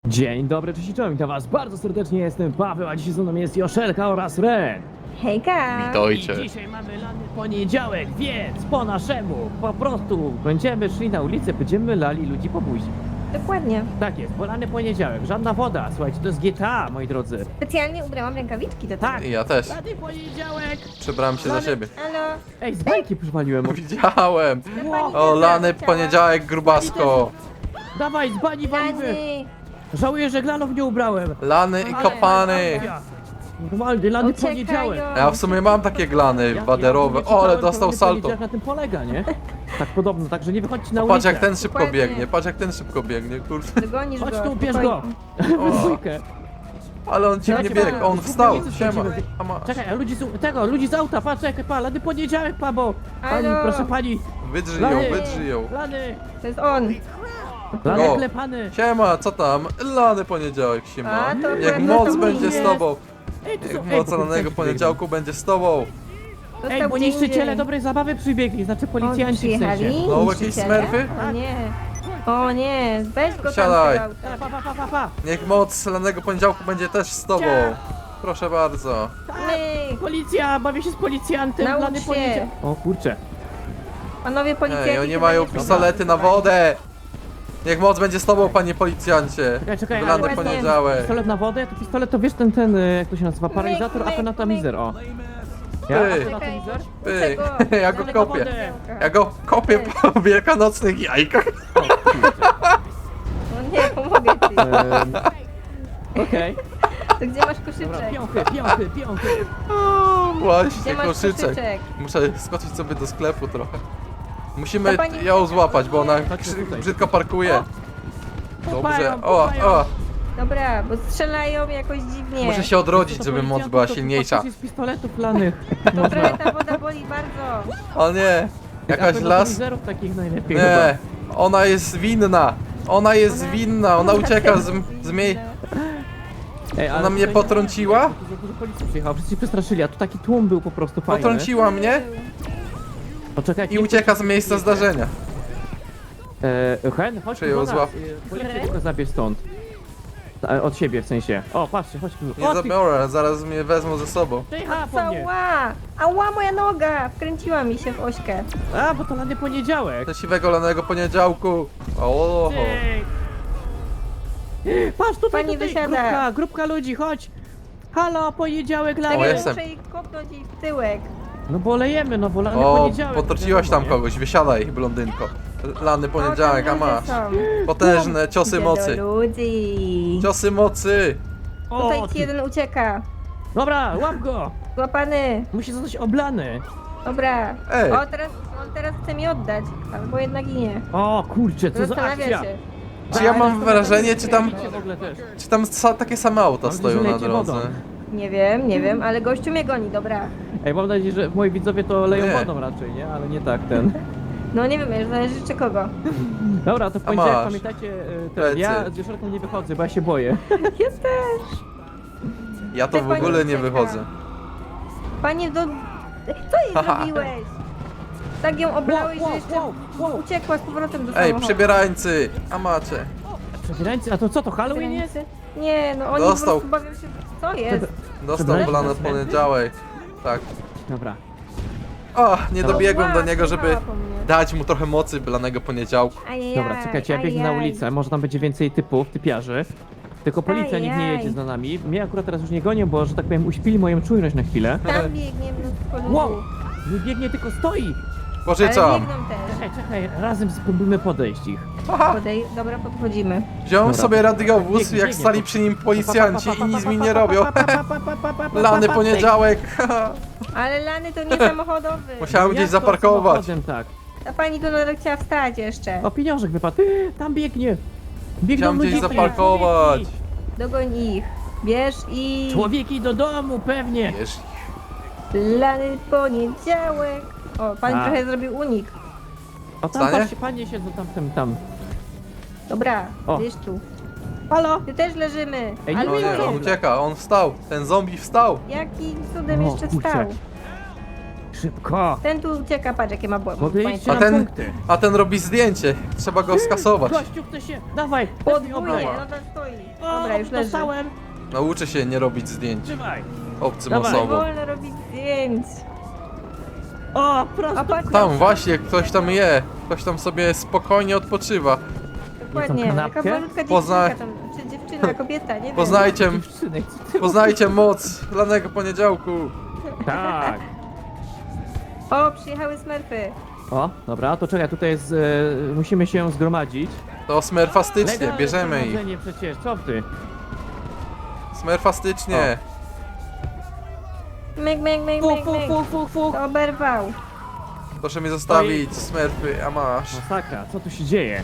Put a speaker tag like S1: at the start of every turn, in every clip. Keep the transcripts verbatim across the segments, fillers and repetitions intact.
S1: Dzień dobry, cześć i czołem, witam was bardzo serdecznie, jestem Paweł, a dzisiaj ze mną jest Joszelka oraz Ren.
S2: Hejka!
S3: Witajcie.
S1: I dzisiaj mamy lany poniedziałek, więc po naszemu po prostu będziemy szli na ulicę, będziemy lali ludzi po buzi.
S2: Dokładnie.
S1: Tak jest, bo lany poniedziałek, żadna woda, słuchajcie, to jest G T A, moi drodzy.
S2: Specjalnie ubrałam rękawiczki do tego.
S1: Tak,
S3: I ja też.
S1: lany poniedziałek!
S3: Przebrałem się za siebie.
S2: Halo?
S1: Ej, z bajki przywaliłem.
S3: Widziałem.
S1: Wow.
S3: O, lany poniedziałek, grubasko.
S1: Dawaj, z bani walimy!
S2: Lany!
S1: Żałuję, że glanów nie ubrałem.
S3: Lany i kopany.
S1: Normalnie, lany
S2: Uciekają.
S1: poniedziałek.
S3: Ja w sumie mam takie glany waderowe. O, ale dostał salto.
S1: Jak na tym polega, nie? Tak podobno, także nie wychodźcie na
S3: Patrz
S1: ulicę.
S3: jak ten szybko
S2: Dokładnie.
S3: biegnie, patrz jak ten szybko biegnie, kurde.
S2: Dogonisz
S1: Chodź
S2: go.
S1: tu, bierz go!
S2: spokojnie.
S1: W
S3: O,
S1: dwójkę.
S3: ale on dziwnie
S1: Czekaj,
S3: biegł, on wstał.
S1: Czekaj,
S3: Siema.
S1: czekaj.
S3: A masz.
S1: Czekaj, a ludzi z tego, ludzi z auta, patrz, czekaj, pa, lany poniedziałek, pa, bo... Pani,
S2: Halo?
S1: proszę pani,
S3: Wydrzyj ją,
S1: Lany.
S3: wydrzyj ją.
S1: lany,
S2: To jest on.
S1: lany
S3: O.
S1: klepany.
S3: Siema, co tam? Lany poniedziałek, siema.
S2: A, to
S3: Jak
S2: akurat
S3: moc
S2: to
S3: będzie
S2: jest.
S3: z tobą.
S1: Ej, to są,
S3: Jak
S1: ej,
S3: moc
S1: bo
S3: lanego
S1: policjanci
S3: poniedziałku będzie z tobą.
S1: biegną. Ej,
S2: Został
S1: bo
S2: gdzie
S1: niszczyciele
S2: indziej.
S1: dobrej zabawy przybiegli, znaczy
S2: Oni
S1: policjanci w
S2: przyjechali?
S1: sensie.
S3: No, jakieś
S2: Niszczyciele?
S3: smerfy?
S2: O nie. O nie, weź go tam
S3: Siadaj.
S2: z tego auta.
S1: Pa, pa, pa, pa, pa.
S3: Niech moc lanego poniedziałku będzie też z tobą. Proszę bardzo.
S2: My,
S1: Policja, bawię się z policjantem,
S2: Naucz
S1: lany
S2: się.
S1: poniedziałek. O kurczę.
S2: panowie policjanci.
S3: Ej, oni
S2: chyba
S3: mają
S2: nie są
S3: pistolety na
S2: zaangażowani.
S3: wodę. Niech moc będzie z tobą, panie policjancie.
S1: Czekaj, czekaj,
S3: Lany
S2: ale-
S3: poniedziałek.
S1: Pistolet na wodę, to pistolet to wiesz ten, ten, y, jak to się nazywa, paralizator,
S2: myk,
S1: apenatomizer, o. Ja,
S3: Ty.
S1: apenatomizer?
S3: Ty,
S2: Czego?
S3: ja go
S1: Lany
S3: kopię.
S1: wodę.
S3: Ja go kopię po wielkanocnych jajkach.
S2: O nie, pomogę ci.
S1: Ehm, Okej,
S2: To gdzie masz
S1: dobra,
S2: koszyczek?
S1: piąchy, piąchy, piąchy.
S3: O,
S2: Gdzie
S3: właśnie,
S2: masz
S3: koszyczek.
S2: koszyczek?
S3: Muszę skoczyć sobie do sklepu trochę. Musimy
S2: To pani-
S3: ją złapać, bo ona
S1: Chodźmy
S3: brzy-
S1: tutaj.
S3: brzydko parkuje.
S1: Pupają,
S3: Dobrze. O,
S1: pupają.
S3: o.
S2: Dobra, bo strzelają jakoś dziwnie.
S3: Muszę się odrodzić,
S1: To
S3: żeby moc
S1: policjantów
S3: była
S1: to
S3: silniejsza.
S1: faktycznie z pistoletów lanych.
S2: Trochę ta woda boli bardzo.
S3: O nie. Jakaś las.
S1: Apenatomizerów takich najlepiej
S3: Nie. Ona jest winna. Ona jest winna. Ona ucieka z, z mie...
S1: Ej, ale
S3: Ona mnie
S1: tutaj-
S3: potrąciła?
S1: Za dużo policji przyjechało, wszyscy się przestraszyli, a tu taki tłum był po prostu fajny.
S3: Potrąciła mnie
S1: Poczekajcie.
S3: i ucieka z miejsca zdarzenia.
S1: E, Hen, chodź
S3: Czy
S1: tu
S3: ją
S1: do nas.
S3: złap-
S1: E, Policję tylko zabierz stąd. E, Od siebie w sensie. O, patrzcie, chodź tu.
S3: Nie
S1: O, ty-
S3: zabiorę, zaraz mnie wezmą ze sobą.
S1: Przyjechała po mnie.
S2: Ała! Ała, moja noga! Wkręciła mi się w ośkę.
S1: A, bo to lany poniedziałek.
S3: Do siwego lanego poniedziałku. O,
S1: Ty. Patrz, tutaj,
S2: Pani
S1: tutaj,
S2: wysiada.
S1: grupka, grupka ludzi, chodź. Halo, poniedziałek,
S3: O,
S1: lany.
S2: Tak, ja
S3: jestem.
S2: muszę jej kopnąć jej w tyłek.
S1: No bo lejemy, no bo lany
S3: o,
S1: poniedziałek.
S3: potrąciłaś tam
S1: wiadomo, nie?
S3: kogoś, wysiadaj, blondynko. Lany poniedziałek,
S2: O,
S3: a
S2: tam ludzie
S3: masz.
S2: są.
S3: Potężne ciosy
S2: Idę
S3: mocy.
S2: do ludzi.
S3: Ciosy mocy.
S1: O,
S2: Tutaj
S1: ty.
S2: ci jeden ucieka.
S1: Dobra, łap go.
S2: Złapany.
S1: Musi zostać oblany.
S2: Dobra.
S3: Ej.
S2: O, teraz, on teraz chce mi oddać. Albo jednak i nie.
S1: O, kurczę, co za
S2: Zastanawia
S1: akcja.
S2: się.
S3: Czy ja mam wrażenie, czy tam,
S1: W ogóle też.
S3: czy tam sa, takie same auta
S1: Mam
S3: stoją
S1: nadzieję,
S3: na
S1: że leci wodą.
S3: drodze?
S2: Nie wiem, nie wiem, ale gościu mnie goni, dobra.
S1: Ej, mam nadzieję, że moi widzowie to leją
S3: Nie.
S1: wodą raczej, nie? Ale nie tak ten.
S2: No nie wiem, już zależy czy kogo.
S1: Dobra, to w poniedziałek
S3: masz.
S1: pamiętacie, e,
S3: Plecy.
S1: ten, ja z Joszelką nie wychodzę, bo ja się boję.
S2: Ja też.
S3: Ja to
S2: Ty,
S3: w
S2: pani
S3: ogóle nie
S2: ucieka.
S3: wychodzę.
S2: Panie do... Co jej
S3: Haha.
S2: zrobiłeś? Tak ją oblałeś,
S1: Wow,
S2: że
S1: wow,
S2: jeszcze
S1: wow, wow.
S2: uciekła z powrotem do
S3: Ej,
S2: samochodu.
S3: przebierańcy, a macie.
S1: Przebierańcy, a to co, to Halloween jest?
S2: Nie, no oni
S3: Dostał.
S2: po prostu bawią się... Co jest?
S3: Dostał
S1: Przebierańcy
S3: plan
S1: na
S3: od
S1: cmentarz?
S3: poniedziałek. Tak.
S1: Dobra.
S3: O, nie dobiegłem do
S2: Ła,
S3: niego, żeby
S2: pojechała po mnie.
S3: dać mu trochę mocy blanego poniedziałku.
S2: Ajajaj,
S1: Dobra, czekajcie, ja biegnę na
S2: ajaj.
S1: ulicę, może tam będzie więcej typów, typiarzy. Tylko policja nikt nie
S2: Ajaj.
S1: jedzie za nami. Mnie akurat teraz już nie gonią, bo, że tak powiem, uśpili moją czujność na chwilę.
S2: Tam biegnie mnóstwo ludzi.
S1: Wow! Nie biegnie, tylko stoi!
S2: Ale
S3: Pożyczam.
S2: biegną też.
S1: Czekaj, czekaj, razem spróbujmy podejść ich.
S2: Podej... Dobra, podchodzimy.
S3: Wziąłem
S1: Dobra.
S3: sobie radiowóz,
S1: Biegnie,
S3: jak
S1: biegnie.
S3: stali przy nim policjanci i nic mi nie robią. Lany poniedziałek.
S2: Ale lany to nie samochodowy.
S3: Musiałem gdzieś
S1: Jak to
S3: zaparkować.
S1: samochodem, tak.
S2: Ta pani tu nadal chciała wstać jeszcze.
S1: O, pieniążek wypadł. Ty, tam biegnie! Biegną
S3: Chciałem gdzieś
S1: ludzie,
S3: zaparkować.
S1: człowieki.
S2: Dogoń ich. Bierz i...
S1: Człowieki do domu, pewnie!
S3: Wiesz,
S2: Lany poniedziałek. O, pan
S1: A.
S2: trochę zrobił unik.
S1: O, tam
S3: Stanie?
S1: patrzcie, panie siedzą tam, tam, tam.
S2: Dobra,
S1: O.
S2: bierz tu.
S1: Halo?
S2: Ty też leżymy.
S1: Ej, nie
S2: Ale
S3: o
S1: wiem,
S3: nie,
S2: nie,
S3: on ucieka, on wstał. Ten zombie wstał.
S2: jakim cudem
S1: O,
S2: jeszcze
S1: kurczę.
S2: wstał?
S1: Szybko!
S2: Ten tu ucieka, patrz jakie ma błędy.
S1: Podejście
S3: A
S1: na
S3: ten,
S1: punkty.
S3: a ten robi zdjęcie. Trzeba go skasować.
S1: Gościu, chce się... Dawaj!
S2: Podwójnie,
S1: obraj.
S2: nadal stoi.
S1: O,
S2: Dobra, już leży.
S1: dostałem!
S3: Nauczy się nie robić zdjęć
S1: Trzymaj!
S3: obcym
S1: Dawaj.
S2: Nie
S3: osobom.
S2: wolno robić zdjęć.
S1: O, prosto!
S2: A patrz,
S3: Tam właśnie, ktoś tam je. Ktoś tam sobie spokojnie odpoczywa.
S2: dokładnie.
S1: Jedzą
S2: Jaka
S1: kanapkę?
S2: malutka
S3: Pozna-
S2: dziewczynka tam, czy dziewczyna, kobieta, nie wiem.
S3: Poznajcie,
S1: Dziewczyny, co ty
S3: poznajcie moc lanego poniedziałku.
S1: Tak!
S2: O, przyjechały smerfy.
S1: O, dobra, to czekaj, tutaj jest... E, musimy się zgromadzić.
S3: To smerfastycznie,
S1: Legalne
S3: bierzemy ich.
S1: zgromadzenie przecież, co ty?
S3: Smerfastycznie.
S2: Myk, myk, myk,
S1: Fuk,
S2: myk,
S1: fuk,
S2: myk.
S1: fuk, fuk, fuk!
S2: To oberwał.
S3: Proszę mi zostawić smerfy, a masz.
S1: Masakra, co tu się dzieje?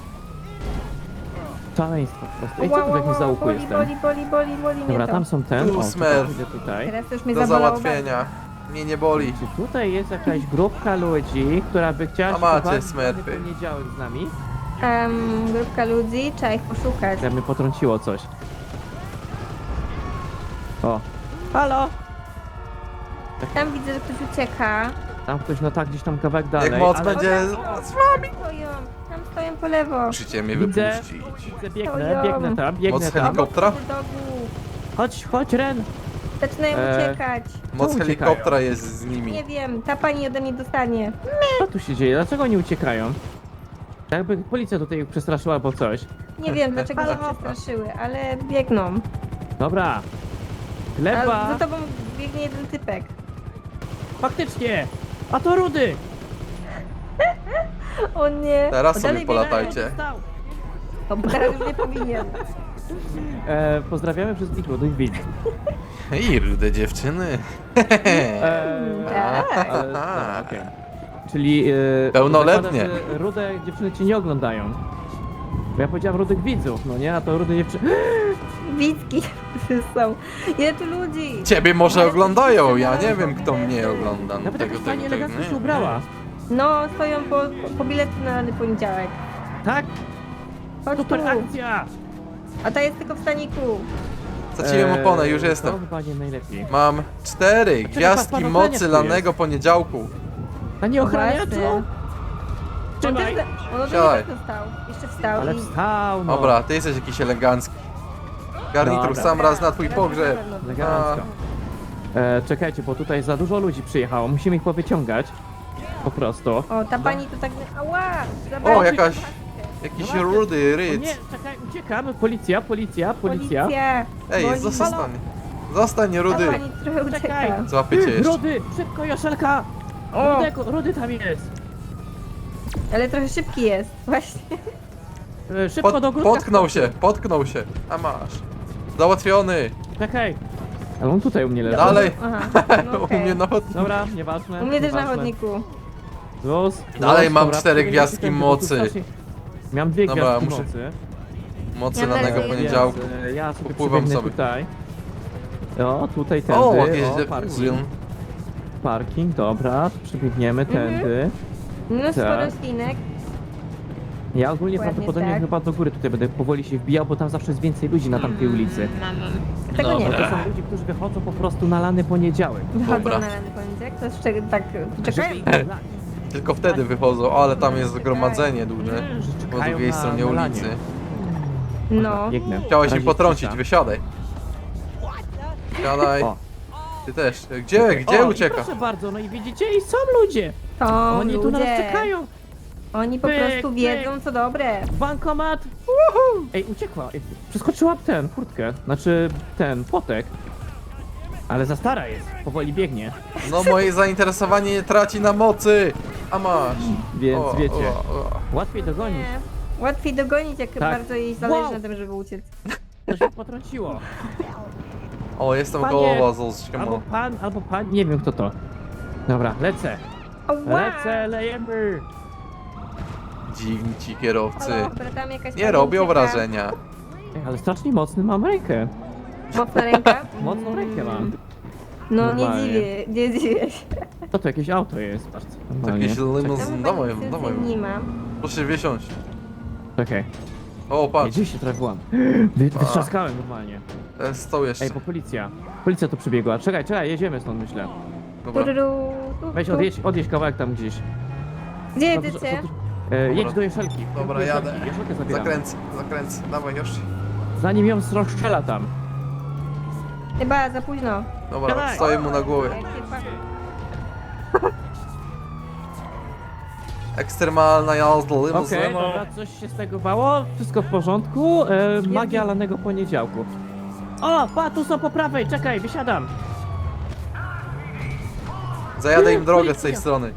S1: Szaleństwo po prostu. Ej, co
S2: Wow,
S1: tu w
S2: wow,
S1: jakimś
S2: wow,
S1: załuku
S2: boli,
S1: jestem?
S2: boli, boli, boli, boli mnie
S1: Dobra,
S2: to.
S1: tam są ten.
S3: Tu
S1: O,
S3: smerf.
S1: idę tutaj.
S2: Teraz to już mnie
S3: Do
S2: zabolało.
S3: załatwienia. Mnie nie boli.
S1: Czy tutaj jest jakaś grupka ludzi, która by chciała
S3: A
S1: się
S3: macie
S1: pobawić
S3: smerfy.
S1: w poniedziałek z nami?
S2: Um, grupka ludzi, trzeba ich poszukać.
S1: Ja mnie potrąciło coś. O. Halo!
S2: Tam widzę, że ktoś ucieka.
S1: Tam ktoś, no tak, gdzieś tam kawałek dalej.
S3: Jak moc
S1: ale-
S3: będzie z wami.
S2: Stoją, tam stoją po lewo.
S3: Musicie mnie
S1: Widzę,
S3: wypuścić.
S1: widzę, biegnę,
S2: Stoją.
S1: biegnę tam, biegnę
S3: Moc
S1: tam.
S3: helikoptera?
S2: Do dogu.
S1: Chodź, chodź, Ren!
S2: Zaczynają
S1: Eee,
S2: uciekać.
S3: Moc
S1: uciekają?
S3: helikoptera jest z nimi.
S2: Nie wiem, ta pani ode mnie dostanie.
S1: Co tu się dzieje? Dlaczego oni uciekają? Jakby policja tutaj ich przestraszyła albo coś.
S2: Nie wiem, dlaczego się
S1: Halo?
S2: przestraszyły, ale biegną.
S1: Dobra.
S2: A
S1: Chleba!
S2: za tobą biegnie jeden typek.
S1: Faktycznie! A to Rudy!
S2: O nie.
S3: Teraz
S2: O,
S3: sobie
S2: dalej
S3: polatajcie.
S1: Dostał.
S2: biegnie. O, bo teraz już nie powinien.
S1: E, pozdrawiamy wszystkich młodych widzów.
S3: I rude dziewczyny.
S1: E,
S2: Tak.
S1: ale, dobra, okej. Czyli... E,
S3: Pełnoletnie.
S1: zakładam, że rude dziewczyny cię nie oglądają. Bo ja powiedziałem rudych widzów, no nie? A to rude dziewczyny...
S2: Widzki są. Ile tu ludzi?
S3: Ciebie może oglądają, ja nie wiem kto mnie ogląda. No
S1: Nawet
S3: tego,
S1: jakaś
S3: tego,
S1: pani
S3: tego,
S1: elegancko się
S3: nie.
S1: ubrała.
S2: No, stoją po, po bilety na rany poniedziałek.
S1: Tak?
S2: Chodź tu.
S1: Super akcja!
S2: A ta jest tylko w staniku.
S3: Straciłem
S1: Eee,
S3: oponę, już
S1: To
S3: jestem.
S1: chyba nie najlepiej.
S3: Mam cztery gwiazdki
S1: pan
S3: mocy
S1: ochraniacz tu
S3: lanego poniedziałku.
S1: A nie
S2: O,
S1: ochraniaczu?
S2: właśnie. On
S1: Trzymaj!
S2: też, on ode
S3: Siadaj.
S2: mnie też dostał. Jeszcze wstał
S1: Ale
S2: i...
S1: wstał, no.
S3: Dobra, ty jesteś jakiś elegancki. Garnitur
S1: Dobra.
S3: sam raz na twój
S2: Teraz
S3: pogrzeb.
S2: na pewno.
S1: Elegancko. E, czekajcie, bo tutaj za dużo ludzi przyjechało. Musimy ich powyciągać. Po prostu.
S2: O, ta pani tu tak... Ała! Zabrała
S3: O,
S2: mi
S3: jakaś...
S2: paskę.
S3: Jakiś
S1: No
S3: rudy
S1: O
S3: ryc.
S1: nie, czekaj, uciekamy. Policja, policja, policja.
S2: Policja!
S3: Ej,
S2: Boli.
S3: zostań. Zostań,
S2: Ta
S3: rudy.
S2: pani trochę
S1: Czekaj.
S2: ucieka.
S3: Złapię cię jeszcze.
S1: Rudy, szybko, Joszelka!
S2: O.
S1: Rudego, Rudy tam jest.
S2: Ale trochę szybki jest, właśnie.
S1: E, szybko
S3: Pot,
S1: do grudka.
S3: potknął się, potknął się. A masz. Załatwiony.
S1: Czekaj. Ale on tutaj u mnie leży.
S3: Dalej.
S2: Aha, no
S3: U
S2: okej.
S3: mnie na chodniku.
S1: Dobra, nieważne.
S2: U mnie też na
S1: nieważne.
S2: chodniku.
S1: Luz,
S3: Dalej
S1: luz,
S3: mam
S1: dobra,
S3: cztery
S1: przebiegniecie
S3: gwiazdki
S1: tędy, bo tu
S3: mocy.
S1: strasznie- Miałem dwie
S3: Dobra,
S1: gwiazdki
S3: muszę-
S1: mocy.
S3: Mocy
S2: Ja
S3: lanego
S2: też
S3: poniedziałku.
S1: Więc, e, ja sobie
S3: Popływam
S1: przebiegnę
S3: sobie.
S1: tutaj. O, tutaj tędy.
S3: O,
S1: o,
S3: jakieś
S1: parking.
S3: de-
S1: Parking, dobra, przebiegniemy
S2: Mhm.
S1: tędy.
S2: Mnóstwo
S1: Tak.
S2: roślinek.
S1: Ja ogólnie
S2: Dokładnie
S1: prawdopodobnie
S2: tak.
S1: chyba do góry tutaj będę powoli się wbijał, bo tam zawsze jest więcej ludzi na tamtej ulicy.
S2: Tego nie
S1: Bo
S2: wiem.
S1: to są ludzie, którzy wychodzą po prostu na lany poniedziałek.
S2: Wychodzą
S3: Dobra.
S2: na rany poniedziałek, to jest czego tak... Czekają.
S1: Żeby ich zlać.
S3: Tylko wtedy wychodzą, ale tam jest zgromadzenie duże.
S1: Nie, że
S3: Po
S1: czekają
S3: drugiej
S1: na-
S3: stronie
S1: na lanie.
S3: ulicy.
S2: No.
S1: Biegnę.
S3: Chciałeś im
S1: Razie
S3: potrącić,
S1: cisza.
S3: wysiadaj. Siadaj.
S1: O,
S3: Ty też. Gdzie, gdzie
S1: o, i
S3: ucieka?
S1: proszę bardzo, no i widzicie, i są ludzie.
S2: To
S1: Oni tu na nas
S2: ludzie.
S1: czekają.
S2: Oni po
S1: Pyk,
S2: prostu
S1: pyk.
S2: wiedzą, co dobre.
S1: Bankomat! Woohoo! Ej, uciekła. Ej, przeskoczyła ten, furtkę. Znaczy, ten, płotek. Ale za stara jest, powoli biegnie.
S3: No moje zainteresowanie nie traci na mocy. A masz.
S1: Więc
S3: O,
S1: wiecie,
S3: o, o.
S1: łatwiej dogonić.
S2: Nie. Łatwiej dogonić, jak
S1: Tak.
S2: bardzo jej zależy
S1: Wow.
S2: na tym, żeby uciec.
S1: To się potrąciło.
S3: O, jestem
S1: Panie,
S3: gołowa z
S1: Albo pan, albo pan, nie wiem kto to. Dobra, lecę.
S2: Ała!
S1: Lecę, lejemy.
S3: Dziwni ci kierowcy.
S2: Halo, dobra, tam jakaś
S3: Nie
S2: pani
S3: robią
S2: ucieka.
S3: wrażenia.
S1: Ej, ale strasznie mocny mam rękę.
S2: Mocna ręka?
S1: Mocną rękę mam.
S2: No nie
S1: Normalnie.
S2: dziwię, nie dziwię się.
S1: To to jakieś auto jest, patrz.
S3: To
S1: normalnie.
S3: jakieś
S2: Tam
S3: limuzyn.
S2: chyba
S3: Dawaj,
S2: nic
S3: dawaj.
S2: nie ma.
S3: Proszę wysiąść.
S1: Czekaj.
S3: O,
S1: Ej,
S3: patrz.
S1: gdzieś się trafiłam. Wy, wytrzaskałem normalnie.
S3: Ten stoł jeszcze.
S1: Ej, bo policja. Policja tu przybiegła. Czekaj, czekaj, jedziemy stąd, myślę.
S3: Dobra.
S2: Tururu, tu,
S1: Weź
S2: tu.
S1: odjedź, odjedź kawałek tam gdzieś.
S2: Gdzie
S1: No, to-
S2: jedziecie?
S1: to- E, jedź do Jeszelki.
S3: Dobra,
S1: Do Jeszelki.
S3: jadę.
S1: Jeszelkę zabieram.
S3: Zakręcę, zakręcę. Dawaj już.
S1: Zanim ją rozstrzela tam.
S2: Chyba za późno.
S3: Dobra,
S1: Dawaj.
S3: stoję mu na głowie.
S2: Jak się pa-
S3: Ekstremalna jazda
S1: Okej,
S3: limuzyną.
S1: dobra, coś się z tego bało, wszystko w porządku. E, magia lanego poniedziałku. O, pa, tu są po prawej, czekaj, wysiadam.
S3: Zajadę im drogę z tej strony.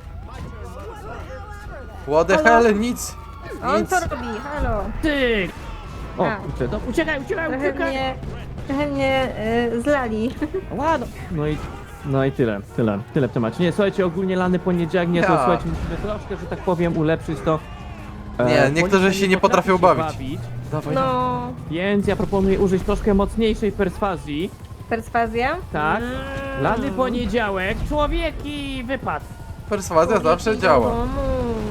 S3: What the
S2: Halo?
S3: hell? Nic.
S2: On
S3: Nic.
S2: co robi? Halo.
S1: Ty! O,
S2: A.
S1: kurczę, no, uciekaj, uciekaj,
S2: Trochę
S1: uciekaj!
S2: mnie, trochę mnie y, zlali.
S1: Ładno. No i, no i tyle, tyle, tyle w temacie. Nie, słuchajcie, ogólnie lany poniedziałek, nie, to
S3: Ja.
S1: słuchajcie, musimy troszkę, że tak powiem, ulepszyć to. E,
S3: Nie, niektórzy
S1: policja
S3: się nie potrafią
S1: potrafi
S3: bawić. Dawaj.
S2: No,
S1: Więc ja proponuję użyć troszkę mocniejszej perswazji.
S2: perswazja?
S1: Tak.
S2: Mm.
S1: Lany poniedziałek, człowieki, wypad.
S3: Perswazja zawsze
S2: Człowieki
S3: działa.
S2: do domu.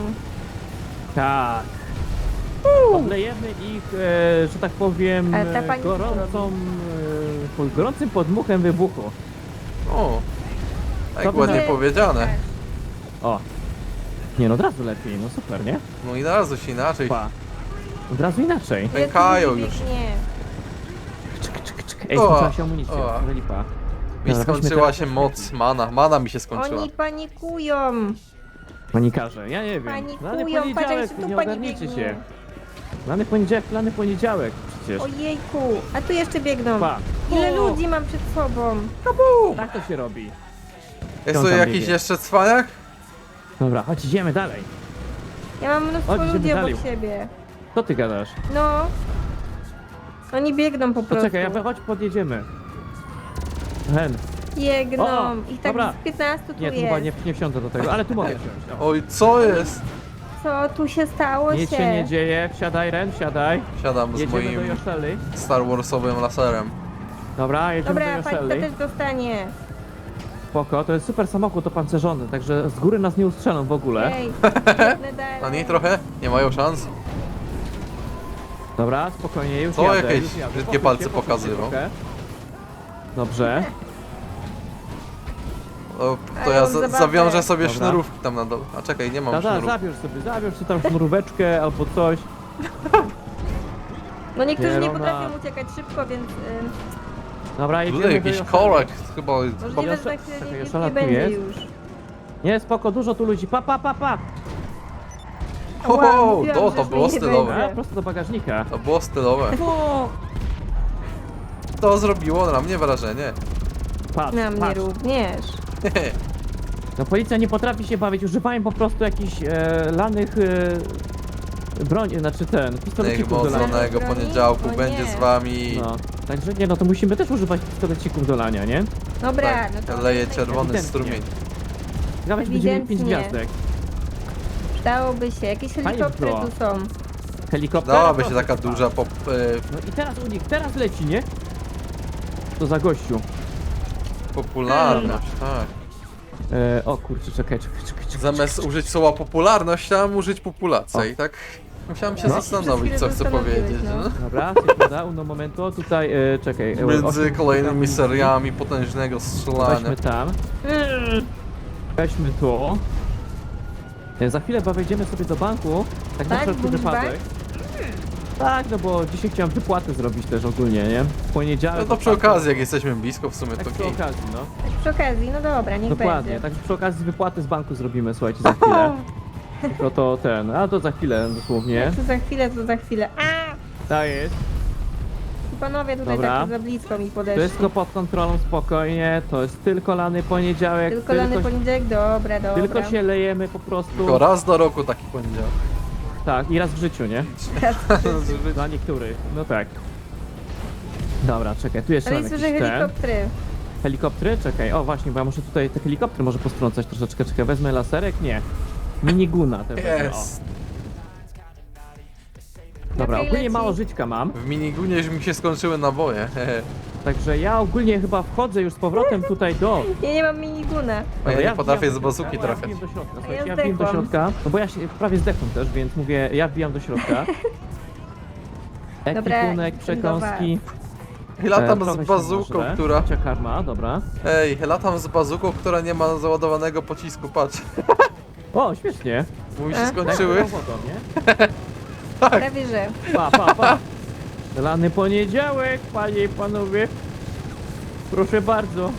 S1: Tak. Oblejemy ich, e, że tak powiem,
S2: Ale ta
S1: e,
S2: pani co
S1: gorącą, e, pod gorącym podmuchem wybuchu.
S3: O, tak
S1: To by
S3: ładnie
S2: na-
S3: powiedziane.
S1: O. Nie no, od razu lepiej, no super, nie?
S3: No i na razu się inaczej.
S1: Pa. Od razu inaczej.
S2: Ile tu
S3: Pękają
S2: ludzi
S3: już.
S2: biegnie?
S1: Czyk, czyk, czyk. Ej,
S3: O,
S1: skończyła się amunicja,
S3: o.
S1: ale lipa.
S3: Mi
S1: Dobra, weźmy
S3: skończyła
S1: teraz-
S3: się moc, mana. Mana mi się skończyła.
S2: Oni panikują.
S1: Panikarze, ja nie wiem. Lany
S2: Panikują, patrz jak
S1: poniedziałek,
S2: się tu
S1: nie
S2: pani
S1: ogarnijcie
S2: biegnie.
S1: się. Lany poniedziałek, lany poniedziałek przecież.
S2: Ojejku, a tu jeszcze biegną.
S1: Pa.
S2: Ile
S1: O,
S2: ludzi mam przed sobą?
S1: Tak to się robi.
S3: Jest
S1: on
S3: tu
S1: tam
S3: jakiś
S1: biegnie?
S3: jeszcze cwaniak?
S1: Dobra, chodź, idziemy dalej.
S2: Ja mam mnóstwo
S1: Chodź, idziemy
S2: ludzi obok
S1: dalej.
S2: siebie.
S1: Co ty gadasz?
S2: No. Oni biegną po prostu.
S1: Poczekaj, ja chodź podjedziemy. Hen.
S2: Biegną.
S1: O,
S2: Ich tak
S1: dobra.
S2: z piętnastu tu
S1: Nie, tu
S2: jest.
S1: chyba nie, nie wsiądę do tego, ale tu mogę wsiąść. O.
S3: Oj, co jest?
S2: Co tu się stało
S1: Nic się nie dzieje, wsiadaj Ren, wsiadaj.
S3: Siadam z
S1: Jedziemy do
S3: moim
S1: Joszeli.
S3: Star Warsowym laserem.
S1: Dobra, jedziemy
S2: Dobra,
S1: do
S2: pani to
S1: Joszeli.
S2: też dostanie.
S1: Spoko, to jest super samochód opancerzony, także z góry nas nie ustrzelą w ogóle.
S2: Ej, biegnę dalej.
S3: Na niej trochę? Nie mają szans?
S1: Dobra, spokojnie, już
S3: Co,
S1: jadę,
S3: jakieś
S1: już jadę.
S3: brzydkie
S1: Posuń
S3: palce
S1: się, posuń się
S3: pokazywał?
S1: trochę. Dobrze.
S3: O, to
S2: Ale
S3: ja
S2: mam
S3: za
S2: zabawę.
S3: zawiążę sobie
S1: Dobra.
S3: sznurówki tam na dole. A czekaj, nie mam
S1: Da, da,
S3: sznurówki.
S1: zabierz sobie, zabierz sobie tam sznuróweczkę albo coś.
S2: No niektórzy
S1: Nie,
S2: nie,
S1: no,
S2: potrafią
S1: na-
S2: uciekać szybko, więc ym,
S1: Dobra, jedziemy
S3: Tutaj
S1: do
S3: jakiś
S1: Joszeli.
S3: korek, chyba...
S2: możliwe, że za
S1: Czekaj,
S2: chwilę nie,
S1: Joszela
S2: nie
S1: tu
S2: będzie
S1: jest?
S2: już.
S1: Nie, spoko, dużo tu ludzi, pa, pa, pa, pa.
S3: Ho,
S2: Ła,
S3: ho,
S2: mówiłam,
S3: to,
S2: że
S3: to
S2: już
S3: było
S2: mnie nie
S3: stylowe.
S2: będzie.
S1: A, prosto do bagażnika.
S3: To było stylowe.
S1: O,
S3: To zrobiło na mnie wrażenie.
S1: patrz,
S2: Na mnie
S1: patrz.
S2: również.
S1: No policja nie potrafi się bawić, używają po prostu jakichś e, lanych e, broń, znaczy ten,
S3: Niech
S1: pistolecików do
S3: moc
S1: lania.
S3: lanego
S2: broni?
S3: poniedziałku
S2: O
S3: będzie
S2: nie.
S3: z wami.
S1: No, także nie, no to musimy też używać pistolecików do lania, nie?
S2: Dobra,
S3: Tak,
S2: no to
S3: leje czerwony
S1: Ewidentnie.
S3: strumień.
S1: Ciekawe, czy będziemy mieć pięć
S2: Ewidentnie.
S1: gwiazdek.
S2: Przydałoby się. Jakieś helikoptery
S1: było.
S2: tu są.
S1: Helikopter.
S3: Dałaby się
S1: proszę
S3: taka
S1: pana.
S3: duża pop... E,
S1: No i teraz u nich, teraz leci, nie? To za gościu.
S3: popularność, tak.
S1: E, o kurczę, czekaj, czekaj, czekaj, czekaj.
S3: Zamiast użyć słowa popularność, chciałem użyć populacja
S1: O.
S3: i tak musiałem się
S1: No.
S3: zastanowić,
S2: Przez
S3: co
S2: chwilę
S3: chcę
S2: zastanowiłeś,
S3: powiedzieć.
S2: no.
S3: No.
S1: Dobra, sekunda, uno momento, tutaj, e, czekaj. e,
S3: Między
S1: osiem-
S3: kolejnymi seriami potężnego strzelania.
S1: Weźmy tam. Weźmy tu. E, Za chwilę chyba wejdziemy sobie do banku, tak na
S2: Tak,
S1: wszelki
S2: Boots
S1: wypadek. Tak, no bo dzisiaj chciałem wypłaty zrobić też ogólnie, nie? W poniedziałek.
S3: No to przy okazji, jak jesteśmy blisko, w sumie
S1: Tak
S3: to
S1: przy
S3: gej.
S1: okazji, no.
S2: Tak przy okazji, no dobra, niech
S1: Dokładnie,
S2: będzie.
S1: tak przy okazji wypłaty z banku zrobimy, słuchajcie, za chwilę. No to ten, a to za chwilę dosłownie.
S2: Jak to za chwilę, to za chwilę. A!
S1: Tak jest.
S2: Panowie tutaj
S1: Dobra.
S2: tak za blisko mi podeszli.
S1: Wszystko pod kontrolą, spokojnie, to jest tylko lany poniedziałek.
S2: Tylko lany poniedziałek, dobra, dobra.
S1: tylko się lejemy po prostu.
S3: Tylko raz do roku taki poniedziałek.
S1: Tak, i raz w życiu, nie? Dla niektórych, no tak. Dobra, czekaj, tu jeszcze
S2: Ale
S1: mam
S2: słyszę
S1: jakieś te
S2: helikoptery.
S1: helikoptery, czekaj, o właśnie, bo ja muszę tutaj te helikoptery może postrącać troszeczkę, czekaj, wezmę laserek, nie. Miniguna te wezmę,
S3: Jest.
S1: o. Dobra,
S2: Okej,
S1: ogólnie
S2: leci.
S1: mało żyćka mam,
S3: W minigunie już mi się skończyły naboje. hehe.
S1: także ja ogólnie chyba wchodzę już z powrotem tutaj do...
S2: Ja nie mam miniguna.
S3: A ja
S1: Dobra,
S3: nie potrafię
S1: wbijam
S3: z
S1: do
S3: bazuki
S1: środka,
S3: trafiać.
S1: Ja wbijam do środka,
S2: A
S1: słuchajcie,
S2: ja
S1: ja wbijam do
S2: zdechłam.
S1: środka, no bo ja się prawie zdechłem też, więc mówię, ja wbijam do środka.
S2: Dobra,
S1: Ekwipunek, przekąski.
S3: latam
S1: trochę
S3: z
S1: się
S3: bazuką,
S1: nażrę.
S3: która...
S1: Cia karma, dobra.
S3: Ej, latam z bazuką, która nie ma załadowanego pocisku, patrz.
S1: O, śmiesznie.
S3: Mówi się
S2: E?
S3: skończyły.
S1: Tak, wodą, nie?
S2: Prawie że.
S1: Pa, pa, pa. Lany poniedziałek, panie i panowie. Proszę bardzo.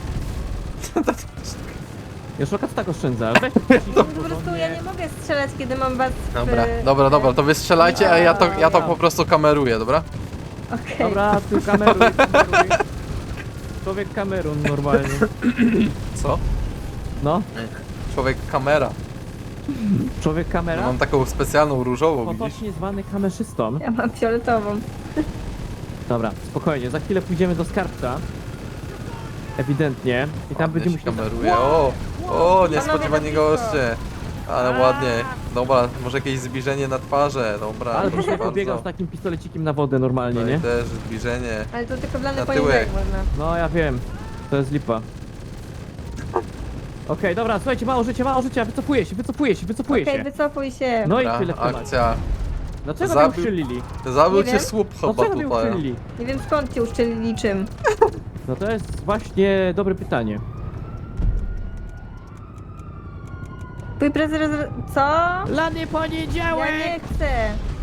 S1: Joszoka, co tak oszczędza? Weź
S2: Po prostu ja nie mogę strzelać, kiedy mam was w...
S3: Dobra, dobra, dobra, to wy strzelajcie, a ja to, ja to po prostu kameruję, dobra?
S2: Okej.
S1: Dobra, ty kameruj, kameruj. Człowiek kamerun normalnie.
S3: Co?
S1: No,
S3: Człowiek kamera.
S1: człowiek kamera.
S3: Mam taką specjalną różową, widzisz?
S1: Potocznie zwany kamerzystą.
S2: Ja mam fioletową.
S1: Dobra, spokojnie, za chwilę pójdziemy do skarbca. Ewidentnie. I tam
S3: Ładnie
S1: będziemy
S3: się
S1: musieli...
S3: kameruje. O, o, niespodziewani
S2: Panowie, na blisko.
S3: goście. Ale ładnie. Dobra, może jakieś zbliżenie na twarze, dobra.
S1: Ale
S3: proszę
S1: byś nie pobiegał
S3: bardzo.
S1: z takim pistolecikiem na wodę normalnie,
S3: No
S1: nie?
S3: i też zbliżenie.
S2: Ale to tylko dla
S3: Na
S2: mnie poniedziałek
S3: tyłek.
S2: można.
S1: No ja wiem, to jest lipa. Okej, dobra, słuchajcie, mało życia, mało życia, wycofuję się, wycofuję się, wycofuję
S2: Okej,
S1: się.
S2: wycofuj się.
S1: No i
S3: Dobra,
S1: tyle w temacie.
S3: akcja.
S1: Dlaczego
S3: Zabił-
S1: mnie uszczelili?
S3: Zabił
S2: Nie
S3: cię
S2: wiem.
S3: słup chyba
S1: Dlaczego mnie
S3: tutaj.
S1: uszczelili?
S2: Nie wiem skąd cię uszczelili czym.
S1: No to jest właśnie dobre pytanie.
S2: Twój prezes... Co?
S1: Lany
S2: Ja
S1: poniedziałek!
S2: nie chcę.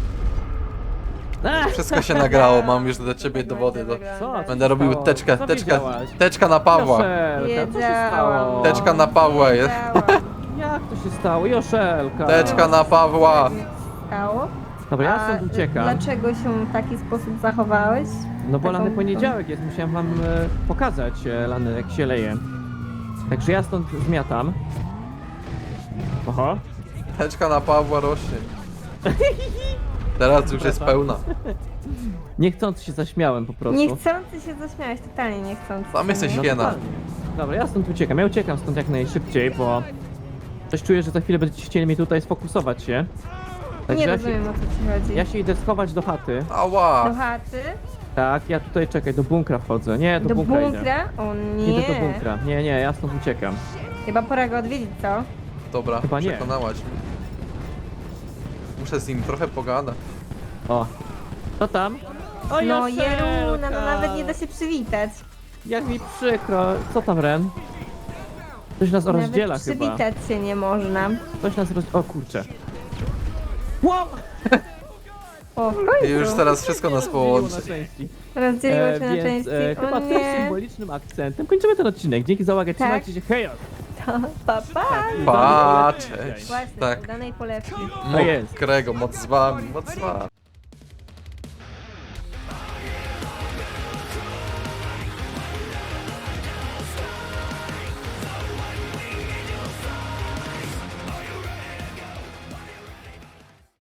S1: Ach,
S3: Wszystko się nagrało, mam już dla ciebie dowody. Do...
S1: Co?
S3: Będę robił
S1: stało?
S3: teczkę,
S1: Co
S3: teczkę,
S1: wiedziałaś?
S3: teczka na Pawła.
S1: Joszelka, co się
S2: Wiedziałam.
S1: stało?
S3: Teczka na Pawła jest.
S2: Wiedziałam.
S1: Jak to się stało? Joszelka!
S3: Teczka na Pawła.
S2: Stało?
S1: Dobra, ja
S2: A
S1: stąd uciekam.
S2: dlaczego się w taki sposób zachowałeś?
S1: No bo
S2: Taką-
S1: lany poniedziałek jest, musiałem wam e, pokazać e, lany jak się leje. Także ja stąd zmiatam. Oho.
S3: Teczka na Pawła rośnie. Teraz już jest pełna.
S1: Niechcący się zaśmiałem po prostu.
S2: Niechcący się zaśmiałeś, totalnie niechcący.
S3: Sam jesteś
S1: No
S3: hiena.
S1: totalnie. Dobra, ja stąd uciekam. Ja uciekam stąd jak najszybciej, bo coś czuję, że za chwilę będziecie chcieli mnie tutaj sfokusować się. Także
S2: Nie
S1: ja się,
S2: rozumiem o co ci chodzi.
S1: ja się idę schować do chaty.
S2: Do
S3: Ała.
S2: chaty?
S1: Tak, ja tutaj czekaj, do bunkra wchodzę. Nie, do,
S2: Do
S1: bunkra, idę.
S2: bunkra? O nie.
S1: Idę do bunkra. Nie, nie, ja stąd uciekam.
S2: Chyba pora go odwiedzić, co?
S3: Dobra,
S1: Chyba nie.
S3: przekonałaś mnie. Muszę z nim trochę pogadać.
S1: O. Co tam? O,
S2: No
S1: Joszelka!
S2: Jeruna, no nawet nie da się przywitać.
S1: Jak mi przykro. Co tam, Ren? Coś nas rozdziela
S2: Nawet
S1: chyba.
S2: przywitać się nie można.
S1: Coś nas roz... O kurczę. Wow!
S2: O, w
S3: I
S2: końcu.
S3: już teraz wszystko nas połączy.
S1: Na części.
S2: Rozdzieliło
S1: E,
S2: się na
S1: więc
S2: części.
S1: e, chyba
S2: O
S1: tym
S2: nie.
S1: symbolicznym akcentem kończymy ten odcinek. Dzięki za uwagę,
S2: Tak.
S1: trzymajcie się, hej!
S2: To pa, pa.
S3: Pa,
S1: Cześć.
S3: cześć.
S2: Właśnie,
S3: Tak.
S2: udanej polewki.
S1: To jest.
S3: Mokrego, moc z wami, moc z wami.